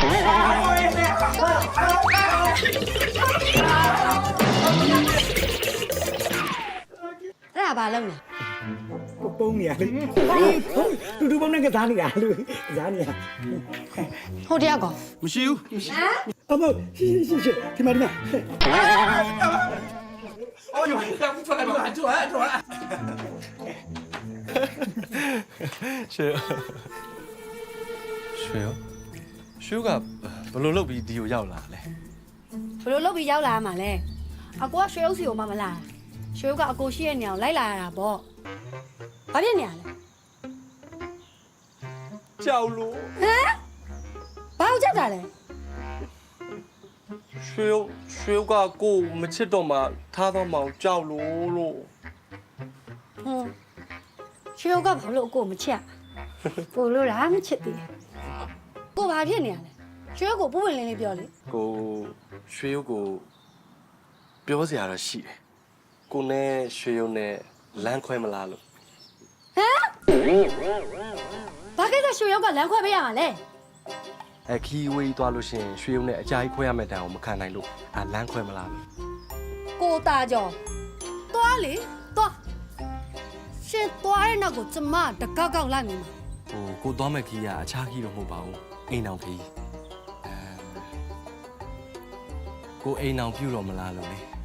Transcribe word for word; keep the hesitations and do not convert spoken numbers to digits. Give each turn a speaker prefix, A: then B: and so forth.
A: အဲ့ဒါဘာလုပ်လဲ
B: ကိုပုံးနေရလေတူတူပုံးနဲ့ကစားနေတာလူကစားနေတာ
A: ဟိုတယောက်ကော
C: မရှိဘူး
B: အမရှိရှိရှိဒီမှာဒီမှာ
C: 哦呦，不出来，不出来，出来，出来。ရွှေရွှေရောရွှေကဘလို့လုပ်ပြီးဒီကိုရောက်လာလဲ
A: ဘယ်လိုလုပ်ပြီးရောက်လာမှာလဲအကိုကရွှေဥစီကိုမှမလာရွှေဥကအကိုရှိရဲ့နေအောင်လိုက်လာရတာပေါ့ဘာဖြစ်နေရလဲ
C: ကြောက်လို့
A: ဟမ်ဘာလို့ချက်တာလဲ
C: ရွှေရွှေကကိုမချစ်တော့မှထားတော့မှကြောက်လို့လို့
A: ဟွန်းရွှေဥကဘာလို့အကိုမချက်ကိုလို့လားမချက်သေးကိုဘာဖြစ်နေရလဲရွှေဥကိုပူပင်လင်းလေးပြောလေ
C: ကိုရွှေကိုပြောစရာတော့ရှိတယ်ကိုနဲ့ရွှေရုံနဲ့လမ်းခွဲမလားလို့
A: ဟမ်ဘာကိစ္စရွှေဥကလမ်းခွဲပေးရမှာလဲ
C: အခီးဝေးသွားလို့ရှိရင်ရွှေရုံနဲ့အကြိုက်ခွဲရမယ့်တန်အောင်မခံနိုင်လို့အာလမ်းခွဲမလားလို့
A: ကိုตาကြောသွားလေသွားရှင်သွားတဲ့နောက်ကိုကျမတကောက်ကောက်လိုက်နေမှာ
C: ဟိုကိုသွားမဲ့ခီးကအခြားခီးတော့မဟုတ်ပါဘူးအိမ်အောင်ခီးအဲကိုအိမ်အောင်ပြုတော့မလားလို့လေ